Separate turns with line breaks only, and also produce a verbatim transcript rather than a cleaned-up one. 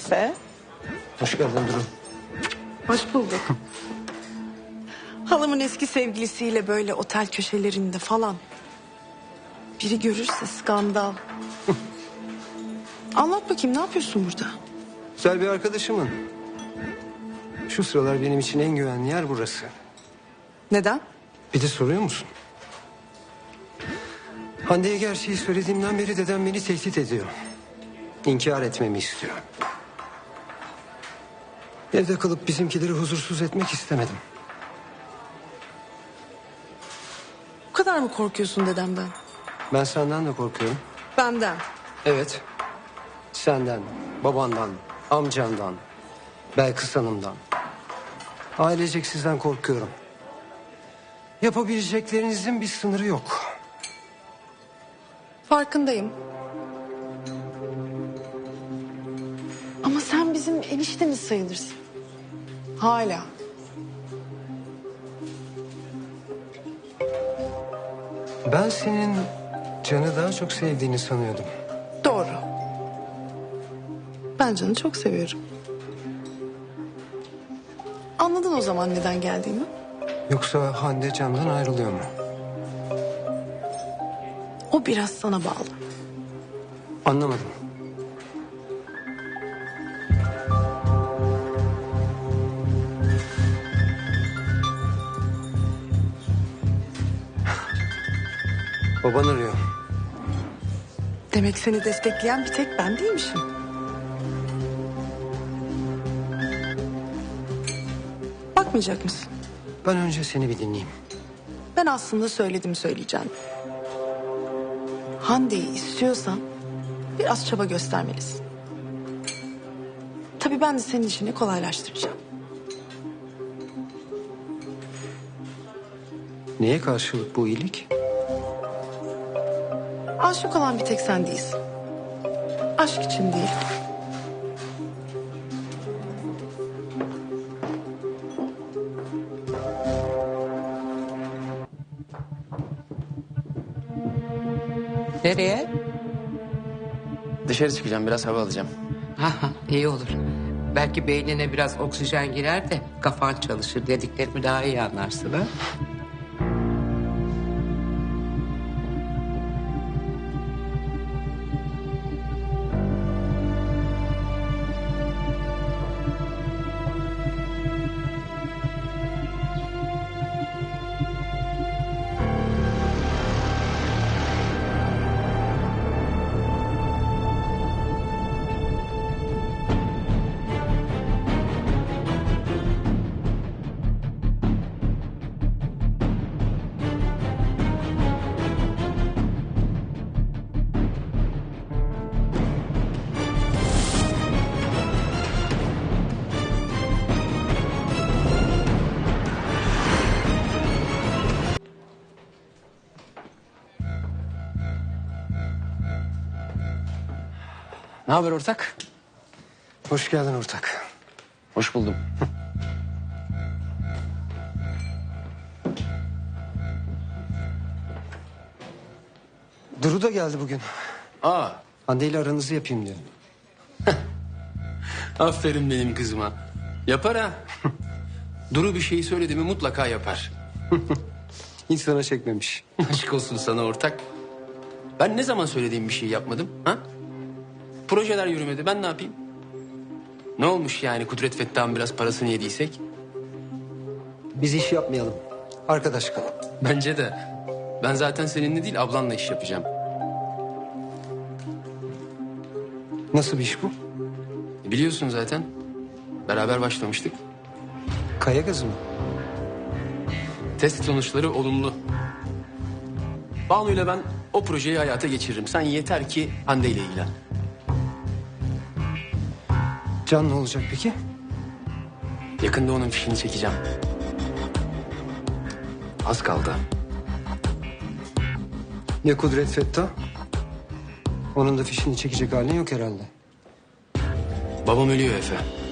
Efe.
Hoş geldin Duru.
Hoş bulduk. Halamın eski sevgilisiyle böyle otel köşelerinde falan. Biri görürse skandal. Anlat bakayım, ne yapıyorsun burada?
Güzel bir arkadaşımın. Şu sıralar benim için en güvenli yer burası.
Neden?
Bir de soruyor musun? Hande'ye gerçeği söylediğimden beri dedem beni tehdit ediyor. İnkar etmemi istiyor. Evde kalıp bizimkileri huzursuz etmek istemedim.
Bu kadar mı korkuyorsun dedemden?
Ben senden de korkuyorum.
Benden.
Evet. Senden, babandan, amcandan, Belkıs Hanım'dan. Ailecek sizden korkuyorum. Yapabileceklerinizin bir sınırı yok.
Farkındayım. Ama sen bizim eniştemiz sayılırsın. Hala.
Ben senin Can'ı daha çok sevdiğini sanıyordum.
Doğru. Ben Can'ı çok seviyorum. Anladın o zaman neden geldiğimi?
Yoksa Hande Can'dan ayrılıyor mu?
O biraz sana bağlı.
Anlamadım. Baban arıyor.
Demek seni destekleyen bir tek ben değilmişim. Bakmayacak mısın?
Ben önce seni bir dinleyeyim.
Ben aslında söyledim söyleyeceğim. Hande'yi istiyorsan biraz çaba göstermelisin. Tabii ben de senin işini kolaylaştıracağım.
Neye karşılık bu iyilik?
Aşık olan bir tek sen değilsin. Aşk için değil.
Nereye?
Dışarı çıkacağım, biraz hava alacağım.
Ha, iyi olur. Belki beynine biraz oksijen girer de kafan çalışır, dediklerimi daha iyi anlarsın ha.
Ne haber ortak?
Hoş geldin ortak.
Hoş buldum.
Duru da geldi bugün.
Aa,
Hande ile aranızı yapayım diyor.
aferin benim kızıma. Yapar ha. Duru bir şeyi söyledi mi mutlaka yapar.
Hiç sana çekmemiş.
Aşk olsun sana ortak. Ben ne zaman söylediğim bir şey yapmadım ha? Projeler yürümedi, ben ne yapayım? Ne olmuş yani Kudret Fettah'ın biraz parasını yediysek?
Biz iş yapmayalım. Arkadaş kalalım.
Bence de. Ben zaten seninle değil ablanla iş yapacağım.
Nasıl bir iş bu?
Biliyorsun zaten. Beraber başlamıştık.
Kaya gazı mı?
Test sonuçları olumlu. Banu'yla ben o projeyi hayata geçiririm. Sen yeter ki Hande ile ilgilen.
Can ne olacak peki?
Yakında onun fişini çekeceğim. Az kaldı.
Ne Kudret Fettah? Onun da fişini çekecek halin yok herhalde.
Babam ölüyor Efe.